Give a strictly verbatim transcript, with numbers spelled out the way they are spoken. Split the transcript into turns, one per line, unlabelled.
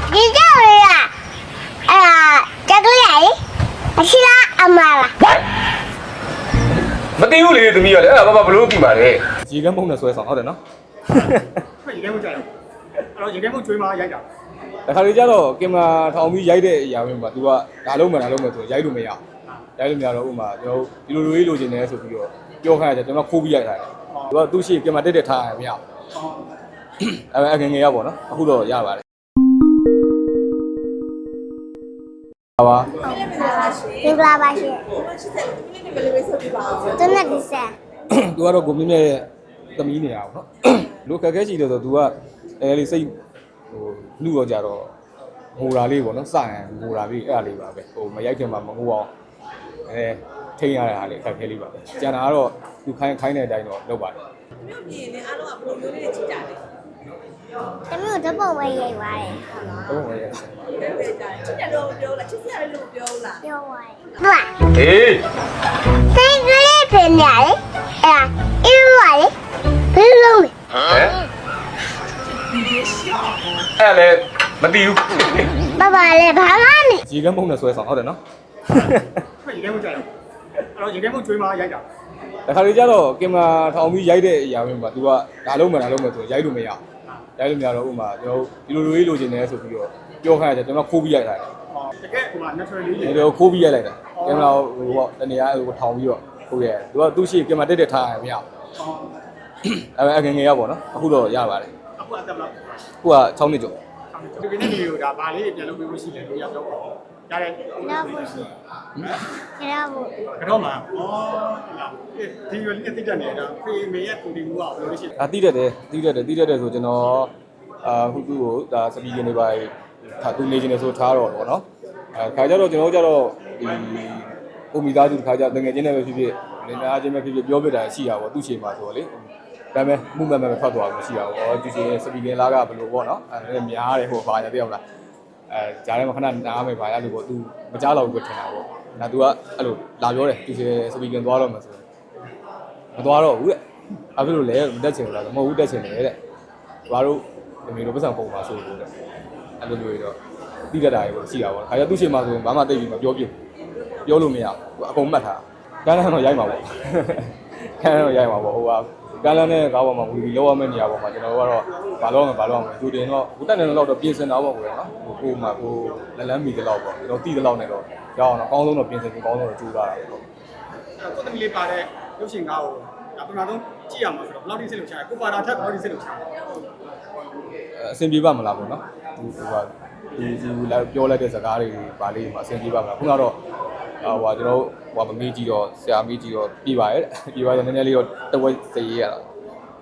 ဒီကြောက်ရအာတက်ကလေးရအရှိလားအမလား
မသိဘူးလေသမီးရလေအဲ့ဒါဘာမှဘလို့ကြည့်ပါလေ
ရေကမ်းပုံနဲ့ဆွဲဆောင်ဟုတ်တယ်နော်
ရေခဲမှုကြာရောအဲ့တော့ရေခဲမှုကျွေးမှရိုက်တာ
တခါလေကျတော့ကင်မရာထောင်ပြီးရိုက်တဲ့အရာမျိုးမှာ तू ကဒါလုံးမှန်ဒါလုံးမှန်ဆိုရိုက်လို့မရရိုက်လို့မရတော့ဥမာကျွန်တော်ဒီလိုလိုလေးလိုချင်တယ်ဆိုပြီးတော့ပြောခိုင်းရတယ်ကျွန်တော်ခိုးပြီးရိုက်တာတယ်သူကသူ့ရှိကင်မရာတက်တက်ထားရမရအဲ့အငငယ်ရပါတော့အခုတော့ရပါတယ်ပါပါ
မင်္ဂလာပါရှင်တနက်ဒီဆန်
तू ကတော့ကိုမြင့်မြတ်ရဲ့သမီးနေရအောင်နော်လူခက်ခဲရှိတယ်ဆို तू ကအဲလေးစိတ်ဟိုလူတော့ကြတော့ငိုတာလေးပေါ့နော်စရင်ငိုတာလေးအဲ့ဒါလေးပါပဲဟိုမရိုက်ခင်မှာမငိုအောင်အဲထိန်းရတဲ့ဟာလေးခက်ခဲလေးပါပဲကျန်တာကတော့ तू ခိုင်းခိုင်းတဲ့အတိုင်းတော့လုပ်ပါတယ်
မြို့ပြည်နဲ့အားလုံးကဘယ်လိုမျိုးလေးကြည့်ကြလဲ
တမျိုးဓပုံပဲရိုက်ပါတယ်
ဟုတ်ပါရဲ့
ဘယ်ပဲကြတယ်ချစ်တယ်လို့ပြောလားချစ်စရာလည်းလို့ပြောလား
ပြောပါတယ်ဟုတ်
ဟေး
စိတ်ကလေးပြင်ရလေအဲ့အင်းပါလေဘယ်လိုလဲ
ဟမ်အဲ့လေမသိဘူး
ဘာပါလဲဘာမှမ
ရေကမ်းပုံနဲ့ဆွဲဆောင်ဟုတ်တယ်နော်
ရေခဲမှုကြာရောအဲ့တော့ရေခဲမှုကျွေးမှရိုက်တာ
တခါလေကျတော့ကင်မရာထောင်ပြီးရိုက်တဲ့အရာမျိုးမှာ तू ကဒါလုံးမှန်ဒါလုံးမှန်ဆိုရိုက်လို့မရရိုက်လို့မရတော့ဥမာကျွန်တော်ဒီလိုလိုလေးလိုချင်တယ်ဆိုပြီးတော့ပြောခိုင်းရတယ်ကျွန်တော်ခိုးပြီးရိုက်တာတယ်
တကယ်ဟိုမှာ natural လေး
ဒီလိုခိုးပြီးရိုက်လိုက်တာကင်မရာဟိုပေါ့တနေရာဟိုထောင်ပြီးတော့ခိုးရတယ်သူကသူ့ရှိကင်မရာတက်တက်ထားရမရအဲ့အငငယ်ရပါတော့အခုတော့ရပါတယ်
အခုအသက်ဘယ်လောက်
ခုက၆နှစ်ကျော်
ဒီကနေ့ဗီဒီယိုဒါဗာလေးပြန်လုပ်ပေးလို့ရှိတယ်လို့ရောက်တော့ရတယ်
ရဘူးရှိရဘူး
ကတော့မှာဩဒီဗီဒီယိုလေးတိကျနေတော့ဖေးမေရဲ့ကိုဒီမူကဘယ်လိုရှိလဲ
ဒါတိတတ်တယ်တိတတ်တယ်တိတတ်တယ်ဆိုကျွန်တော်အာဟိုသူ့ကိုဒါစပီကင်တွေပါထားသူနေနေဆိုထားတော့ဗောနော်အဲခါကြတော့ကျွန်တော်ကြတော့ဒီကိုမိသားစုတစ်ခါကြတငယ်ချင်းနဲ့ပဲဖြစ်ဖြစ်လင်မယားချင်းပဲဖြစ်ဖြစ်ပြောပြတာရှိတာဗောသူ့ချိန်မှာဆိုတော့လေဒါပေမဲ့မှုမှန်မှန်ထွက်သွားလို့ရှိတာဗောသူချိန်စပီကင်လားကဘယ်လိုဗောနော်အဲများတယ်ဟိုပါရတဲ့ဟုတ်လားအဲဂျားထဲမှာခဏနားမယ်ပါရလို့ဗောသူမကြားတော့ဘူးပဲထင်တာဗောဒါသူကအဲ့လိုလာပြောတယ်သူချိန်စပီကင်သွားတော့မှဆိုမသွားတော့ဘူးတဲ့ဘာဖြစ်လို့လဲမတက်ချင်ဘူးလားမဟုတ်ဘူးတက်ချင်တယ်တဲ့ဘာလို့ဒီမျိုးလိုပတ်စံပုံပါဆိုလို့တဲ့အဲ့လိုမျိုးတော့တိကျတာရေပေါ့ရှိတာပေါ့ခါကျသူ့ရှင်မှာဆိုရင်ဘာမှသိပြီးမပြောပြပြောလို့မရဘူးအကုန်မှတ်ထားကန်းလန်းတော့ရိုက်မှာပေါ့ကန်းလန်းတော့ရိုက်မှာပေါ့ဟိုကကန်းလန်းနဲ့ကားပေါ်မှာဝီဝီလောက်ရမယ့်နေရာပေါ်မှာကျွန်တော်ကတော့ဘာလို့မဘာလို့မသူတင်တော့ဟိုတက်နေတော့တော့ပြင်ဆင်တာပေါ့ကွယ်နော်ဟိုကိုမှကိုလက်လန်းမီတလောက်ပေါ့ကျွန်တော်တိတလောက်နေတော့ရအောင်တော့အကောင်းဆုံးတော့ပြင်ဆင်ပြီးအကောင်းဆုံးတော့ကြိုးစားတာပေါ့
ကိုသမီးလေးပါတဲ့ရုပ်ရှင်ကားကိုဒါပထမဆုံးကြည့်ရမှာဆိုတော့ဘယ်လောက်ထိစိတ်လှုပ်ရှားလဲကိုပါတာထက်ဘယ်လောက်ထိစိတ်လှုပ်ရှားလဲ
အဆင်ပြေပါမလားပေါ့နော်ဒီဟိုကဒီဒီပြောလိုက်တဲ့စကားတွေပါလေးမှာအဆင်ပြေပါမလားခုနကတော့ဟိုကကျွန်တော်ဟိုကမမေးကြည့်တော့ဆရာမေးကြည့်တော့ပြေးပါရဲ့ပြေးပါတော့နည်းနည်းလေးတော့တဝက်စရေးရတာ